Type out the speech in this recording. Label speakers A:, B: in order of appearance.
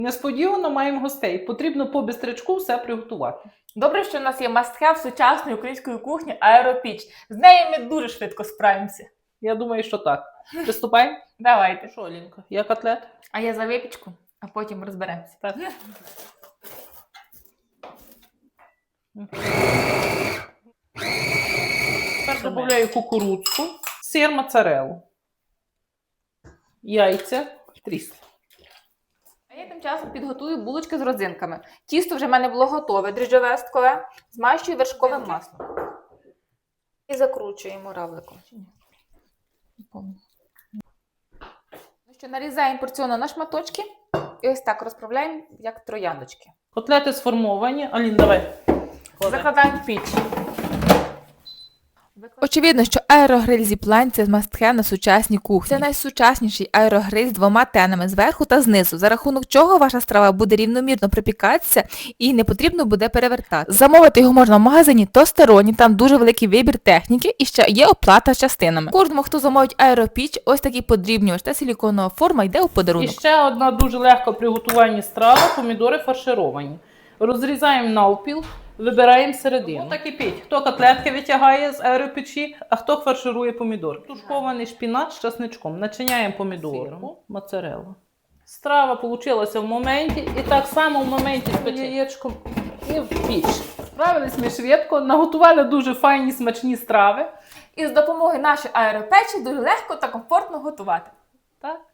A: Несподівано маємо гостей. Потрібно по бистрячку все приготувати.
B: Добре, що в нас є must-have сучасної української кухні аеропіч. З нею ми дуже швидко справимося.
A: Я думаю, що так. Приступаємо?
B: Давайте.
A: Що, Лінка, я котлет?
B: А я за випічку, а потім розберемося.
A: Так. Тепер додаю кукурудзку, сир моцареллу, яйця, тріс.
B: А я тим часом підготую булочки з родзинками. Тісто вже в мене було готове, дріжджове сткове, змащую вершковим маслом. І закручуємо равликом. Ну що, нарізаємо порціонно на шматочки і ось так розправляємо, як трояндочки.
A: Котлети сформовані. Алін, давай.
B: Закладаємо в піч. Очевидно, що аерогриль Zipline – це must-have на сучасній кухні. Це найсучасніший аерогриль з двома тенами зверху та знизу, за рахунок чого ваша страва буде рівномірно припікатися і не потрібно буде перевертати. Замовити його можна в магазині Тостероні, там дуже великий вибір техніки і ще є оплата частинами. Кожному, хто замовить аеропіч, ось такий подрібнювач та силіконова форма йде у подарунок.
A: І ще одна дуже легко приготування страва – помідори фаршировані. Розрізаємо навпіл. Вибираємо середину. Так і піть. Хто котлетки витягає з аеропечі, а хто фарширує помідор. Тушкований шпінат з часничком. Начиняємо помідорку, моцареллу. Страва вийшла в моменті. І так само в моменті з яєчком і в піч. Справились ми швидко, наготували дуже файні смачні страви.
B: І з допомогою нашої аеропечі дуже легко та комфортно готувати.
A: Так.